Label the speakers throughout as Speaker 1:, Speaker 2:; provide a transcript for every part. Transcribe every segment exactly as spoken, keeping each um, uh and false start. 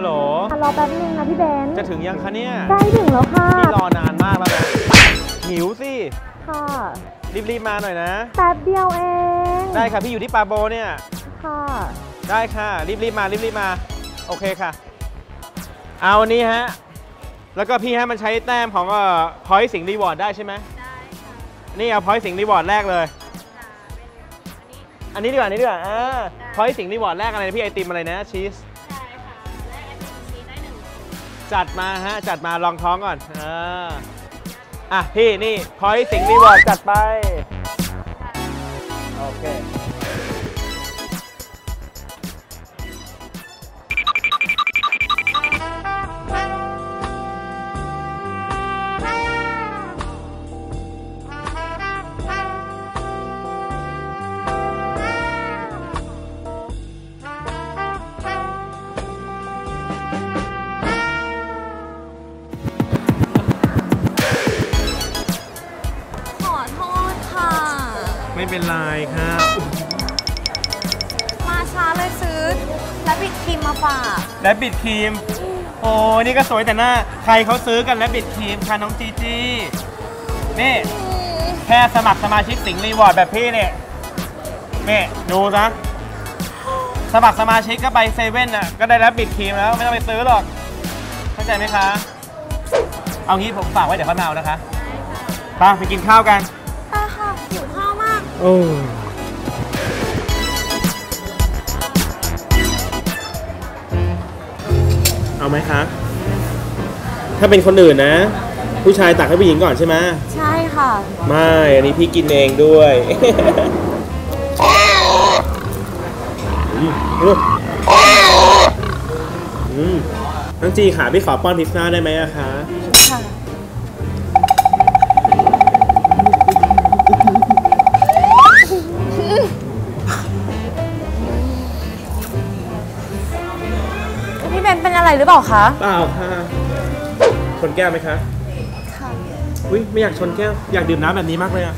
Speaker 1: ฮัลโหล
Speaker 2: รอแป๊บนึงนะพี่เบน
Speaker 1: จะถึงยังคะเนี่ย
Speaker 2: ใกล้ถึงแล้วค่ะ
Speaker 1: พี่รอนานมากแล้วนะหิวสิ
Speaker 2: ค่ะ
Speaker 1: รีบๆมาหน่อยนะ
Speaker 2: แป๊บเดียวเอง
Speaker 1: ได้ค่ะพี่อยู่ที่ปาโบเนี่ย
Speaker 2: ค่ะ
Speaker 1: ได้ค่ะรีบๆมารีบๆมาโอเคค่ะเอาวันนี้ฮะแล้วก็พี่ฮะมันใช้แต้มของเอ่อพอยต์สิงห์รีวอร์ดได้ใช่ไหมได้ค่ะนี่เอาพอยต์สิงห์รีวอร์ดแรกเลยอันนี้ดีกว่าอันนี้ดีกว่าอ่าพอยต์สิงห์รีวอร์ดแรกอะไรพี่ไอติมอะไรนะชีสใช่ค่ะแรกไอติมชีสได้หนึ่งจัดมาฮะจัดมาลองท้องก่อนอ่าอ่ะพี่นี่พอยต์สิงห์รีวอร์ดจัดไปโอเคไม่เป็นไรครับ
Speaker 2: มาช้าเลยซื้อแรบบิทครีมมาฝาก
Speaker 1: แรบบิทครีมโอ้นี่ก็สวยแต่หน้าใครเขาซื้อกันแรบบิทครีมค่ะน้องจีจีนี่แค่สมัครสมาชิกสิงห์รีวอร์ดแบบพี่เนี่ยนี่ดูซะสมัครสมาชิกก็ไปเซเว่นอ่ะก็ได้แรบบิทครีมแล้วไม่ต้องไปซื้อหรอกเข้าใจไหมคะเอางี้ผมฝากไว้เดี๋ยวเขามาเอานะคะไปไปกินข้าวกัน
Speaker 2: โอ้
Speaker 1: เอาไหมคะถ้าเป็นคนอื่นนะผู้ชายตักให้ผู้หญิงก่อนใช่ไหม
Speaker 2: ใช่ค่ะ
Speaker 1: ไม่อันนี้พี่กินเองด้วยน้องจีค่ะพี่ขอป้อนพิซซ่าได้ไหมอะคะค่ะ
Speaker 2: เป็นอะไรหรือเปล่าคะ
Speaker 1: เปล่าค่ะชนแก้วไหมคะค่ะอุ้ยไม่อยากชนแก้วอยากดื่มน้ำแบบนี้มากเลยอะ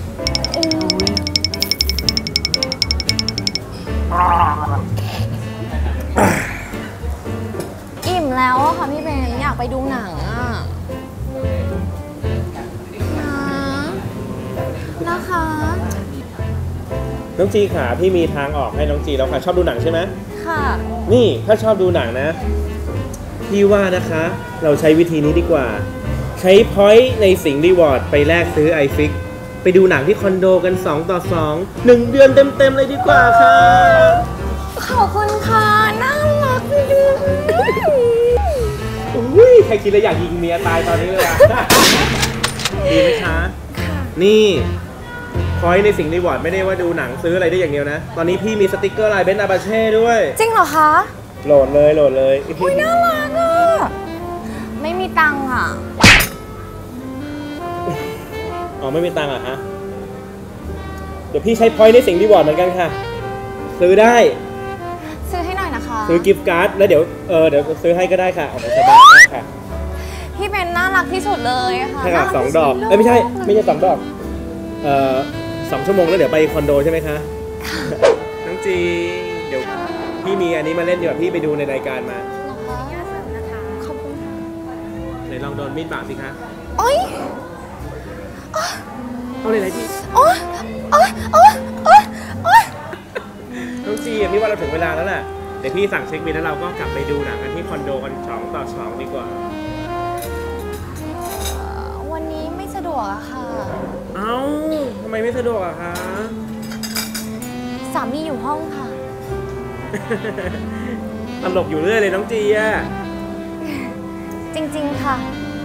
Speaker 2: อิ่มแล้วอะค่ะพี่เบนอยากไปดูหนังอะนะนะคะ
Speaker 1: น้องจีค่ะพี่มีทางออกให้น้องจีแล้วค่ะชอบดูหนังใช่ไหม
Speaker 2: ค่ะ
Speaker 1: นี่ถ้าชอบดูหนังนะพี่ว่านะคะเราใช้วิธีนี้ดีกว่าใช้พอยต์ในสิงห์รีวอร์ดไปแลกซื้อไอฟิกไปดูหนังที่คอนโดกันสองต่อสอง หนึ่งเดือนเต็มๆเลยดีกว่าค่ะ
Speaker 2: ขอบคุณค่ะน่ารักดี
Speaker 1: อุ้ยใครคิดแล้วอยากยิงเมียตายตอนนี้เลยอะดีไหมคะนี่พอยต์ในสิงห์รีวอร์ดไม่ได้ว่าดูหนังซื้ออะไรได้อย่างเดียวนะตอนนี้พี่มีสติ๊กเกอร์ลายเบนซ์อาบาเช่ด้วย
Speaker 2: จริงเหรอคะ
Speaker 1: โหลดเลยโหลดเลย
Speaker 2: อุ้ยน่ารักอ่ะไม่มีตังค์อ่ะ
Speaker 1: อ๋อไม่มีตังค์อ่ะฮะเดี๋ยวพี่ใช้พอยต์ในสิงห์รีวอร์ดเหมือนกันค่ะซื้อได้
Speaker 2: ซื้อให้หน่อยนะคะ
Speaker 1: ซื้อกิฟต์การ์ดแล้วเดี๋ยวเออเดี๋ยวซื้อให้ก็ได้ค่ะออกมาสบายมากค่ะ
Speaker 2: พี่เป็นน่ารักที่สุดเลยค่ะ
Speaker 1: ใช่ค่ะสองดอกเอ้ยไม่ใช่ไม่ใช่สองดอกเอ่อสองชั่วโมงแล้วเดี๋ยวไปคอนโดใช่ไหมคะน้องจีเดี๋ยวพี่มีอันนี้มาเล่นดีกว่าพี่ไปดูในรายการมา
Speaker 2: ขอบคุณ
Speaker 1: ไหนลองโดนมีดบาดสิคะ
Speaker 2: โอ๊ย
Speaker 1: เอาเลยไหนพี่
Speaker 2: โอ๊ยโอ๊ยโอ๊ยโอ๊ยโอ๊ย
Speaker 1: น้องจีพี่ว่าเราถึงเวลาแล้วแหละเดี๋ยวพี่สั่งเช็คบิลแล้วเราก็กลับไปดูหนังกันที่คอนโดกันสองต่อสองดีกว่า
Speaker 2: วันนี้ไม่สะดวกอะค่ะ
Speaker 1: เอ้าทำไมไม่สะดวกอะคะ
Speaker 2: สามีอยู่ห้องค่ะ
Speaker 1: ตลกอยู่เรื่อยเลยน้องจีอะ
Speaker 2: จริงๆค่ะ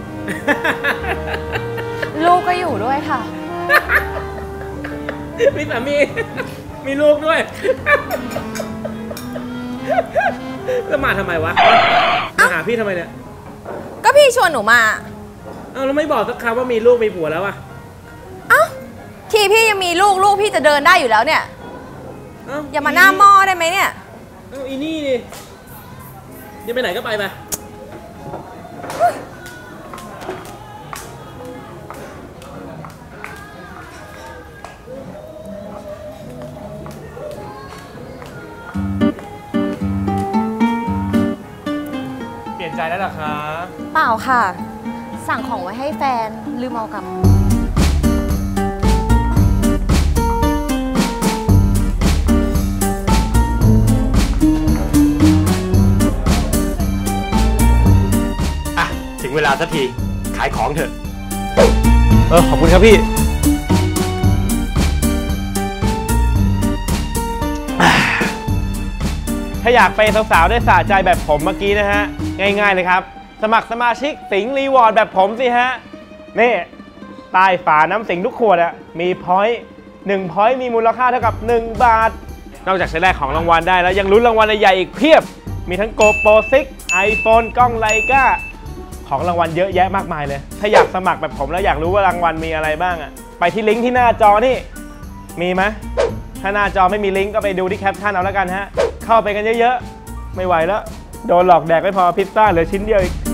Speaker 2: ลูกก็อยู่ด้วยค่ะ
Speaker 1: มีสามีมีลูกด้วยแล้วมาทำไมวะมาหาพี่ทำไมเนี่ย
Speaker 2: ก็พี่ชวนหนูมา
Speaker 1: เอ้าแล้วไม่บอกสักคำว่ามีลูกมีผัวแล้วอะ
Speaker 2: เอ้าทีพี่ยังมีลูกลูกพี่จะเดินได้อยู่แล้วเนี่ยอย่ามาหน้าหม้อได้ไหมเนี่ย
Speaker 1: เอ้าอีนี่ดิจะไปไหนก็ไปไปใจแล้วเหรอคะ
Speaker 2: เปล่าค่ะ สั่งของไว้ให้แฟนลืมเอากลับ
Speaker 3: อ่ะ ถึงเวลาสักทีขายของเถอะ
Speaker 1: เออขอบคุณครับพี่ถ้าอยากไปสาวๆได้สะใจแบบผมเมื่อกี้นะฮะง่ายๆเลยครับสมัครสมาชิกสิงห์รีวอร์ดแบบผมสิฮะนี่ใต้ฝาน้ำสิงห์ทุกขวดอะมีพอยต์หนึ่งพอยต์มีมูลค่าเท่ากับหนึ่งบาทนอกจากจะได้ของรางวัลได้แล้วยังลุ้นรางวัลใหญ่ๆอีกเพียบมีทั้ง GoPro ซิกซ์ iPhone กล้องไลกาของรางวัลเยอะแยะมากมายเลยถ้าอยากสมัครแบบผมแล้วอยากรู้ว่ารางวัลมีอะไรบ้างอะไปที่ลิงก์ที่หน้าจอนี่มีไหมถ้าหน้าจอไม่มีลิงก์ก็ไปดูที่แคปชั่นเอาแล้วกันฮะเข้าไปกันเยอะๆไม่ไหวแล้วโดนหลอกแดกไม่พอพิซซ่าเหลือชิ้นเดียวอีก